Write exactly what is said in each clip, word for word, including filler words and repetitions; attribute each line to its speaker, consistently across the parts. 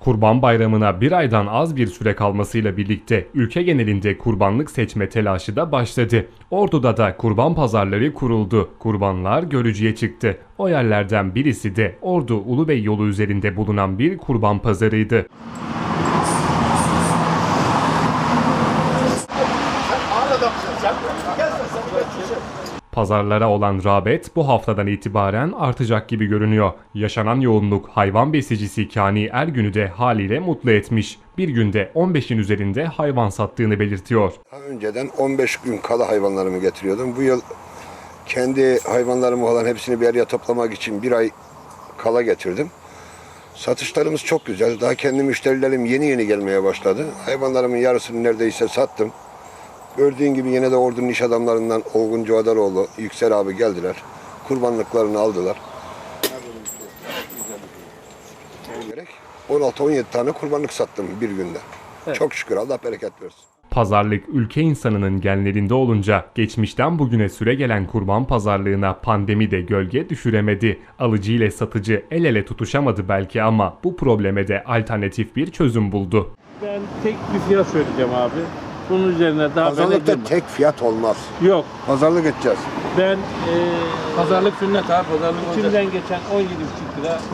Speaker 1: Kurban Bayramı'na bir aydan az bir süre kalmasıyla birlikte ülke genelinde kurbanlık seçme telaşı da başladı. Ordu'da da kurban pazarları kuruldu. Kurbanlar görücüye çıktı. O yerlerden birisi de Ordu Ulubey yolu üzerinde bulunan bir kurban pazarıydı. Pazarlara olan rağbet bu haftadan itibaren artacak gibi görünüyor. Yaşanan yoğunluk hayvan besicisi Kani Ergün'ü de haliyle mutlu etmiş. Bir günde on beşin üzerinde hayvan sattığını belirtiyor.
Speaker 2: Daha önceden on beş gün kala hayvanlarımı getiriyordum. Bu yıl kendi hayvanlarımı olan hepsini bir araya toplamak için bir ay kala getirdim. Satışlarımız çok güzel. Daha kendi müşterilerim yeni yeni gelmeye başladı. Hayvanlarımın yarısını neredeyse sattım. Gördüğün gibi yine de Ordu'nun iş adamlarından Olgun Cuadaroğlu, Yüksel abi geldiler. Kurbanlıklarını aldılar. on altı on yedi tane kurbanlık sattım bir günde. Evet. Çok şükür, Allah bereket versin.
Speaker 1: Pazarlık ülke insanının genlerinde olunca geçmişten bugüne süre gelen kurban pazarlığına pandemi de gölge düşüremedi. Alıcı ile satıcı el ele tutuşamadı belki ama bu probleme de alternatif bir çözüm buldu.
Speaker 3: Ben tek bir fiyat söyleyeceğim abi. Bunun üzerine daha
Speaker 2: Pazarlıkta tek fiyat olmaz.
Speaker 3: Yok.
Speaker 2: Pazarlık edeceğiz.
Speaker 3: Ben e,
Speaker 4: Pazarlık sünnet abi, pazarlık
Speaker 3: içimden geçen on yedi buçuk lira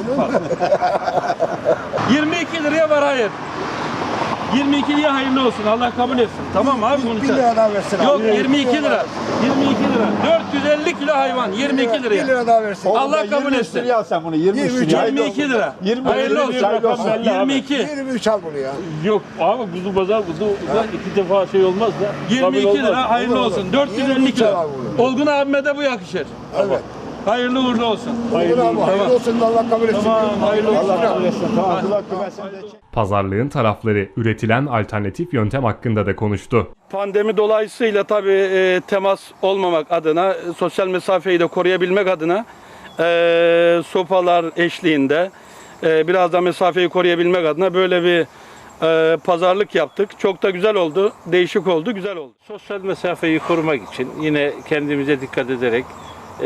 Speaker 3: yirmi iki liraya var, hayır. yirmi iki liraya hayırlı olsun. Allah kabul etsin. Tamam abi, bunu
Speaker 2: bir lira daha versin.
Speaker 3: Yok, yirmi iki lira. yirmi iki lira. dört yüz elli kilo hayvan yirmi iki liraya.
Speaker 2: bir lira daha versin.
Speaker 3: Allah kabul etsin.
Speaker 4: Al sen bunu, yirmi üç liraya.
Speaker 3: yirmi iki lira.
Speaker 4: yirmi
Speaker 3: Hayırlı olsun. yirmi iki.
Speaker 2: yirmi üç al bunu ya.
Speaker 3: Yok abi, kuzu pazar kuzu iki defa şey olmaz da. yirmi iki lira hayırlı olsun. dört yüz elli kilo. Olgun abime de bu yakışır.
Speaker 2: Evet.
Speaker 3: Hayırlı uğurlu olsun.
Speaker 2: Hayırlı, hayırlı, hayırlı olsun, Allah kabul etsin.
Speaker 3: Tamam, hayırlı olsun.
Speaker 4: Allah kabul etsin. Tamam.
Speaker 1: Pazarlığın tarafları üretilen alternatif yöntem hakkında da konuştu.
Speaker 5: Pandemi dolayısıyla tabii e, temas olmamak adına, e, sosyal mesafeyi de koruyabilmek adına e, sopalar eşliğinde e, biraz da mesafeyi koruyabilmek adına böyle bir e, pazarlık yaptık. Çok da güzel oldu, değişik oldu, güzel oldu.
Speaker 3: Sosyal mesafeyi korumak için yine kendimize dikkat ederek e,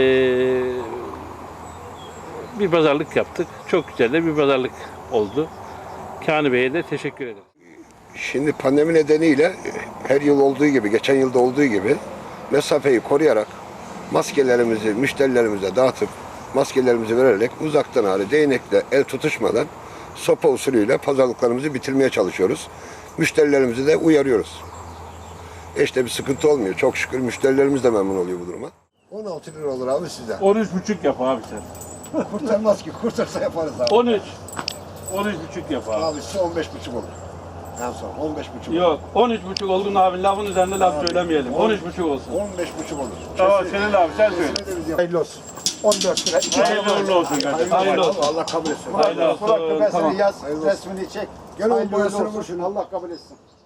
Speaker 3: bir pazarlık yaptık. Çok güzel de bir pazarlık oldu. Kani Bey'e de teşekkür ederim.
Speaker 2: Şimdi pandemi nedeniyle her yıl olduğu gibi, geçen yılda olduğu gibi mesafeyi koruyarak maskelerimizi müşterilerimize dağıtıp maskelerimizi vererek uzaktan hali değnekle el tutuşmadan sopa usulüyle pazarlıklarımızı bitirmeye çalışıyoruz. Müşterilerimizi de uyarıyoruz. İşte bir sıkıntı olmuyor. Çok şükür müşterilerimiz de memnun oluyor bu duruma. on altı lira olur abi sizden.
Speaker 3: on üç buçuk yap abi sen.
Speaker 2: Kurtarmaz ki. Kurtarsa yaparız abi.
Speaker 3: on üç. on üç buçuk yap abi.
Speaker 2: Abi size on beş buçuk olur. En son on beş buçuk olur.
Speaker 3: Yok, on üç buçuk Olgun abi, lafın üzerinde laf abi, söylemeyelim. on üç buçuk olsun.
Speaker 2: on beş buçuk olur.
Speaker 3: Tamam, senin abi sen söyle.
Speaker 2: Hayırlı olsun. on dört lira.
Speaker 3: Hayırlı uğurlu olsun kardeşim. Hayırlı olsun.
Speaker 2: Allah kabul etsin.
Speaker 3: Hayırlı olsun.
Speaker 4: Kulak küpesini
Speaker 3: Tamam.
Speaker 4: yaz, resmini çek.
Speaker 2: Gel oğlum
Speaker 4: Hayırlı
Speaker 2: boyasını
Speaker 4: olsun.
Speaker 2: vur şunu.
Speaker 4: Allah kabul etsin.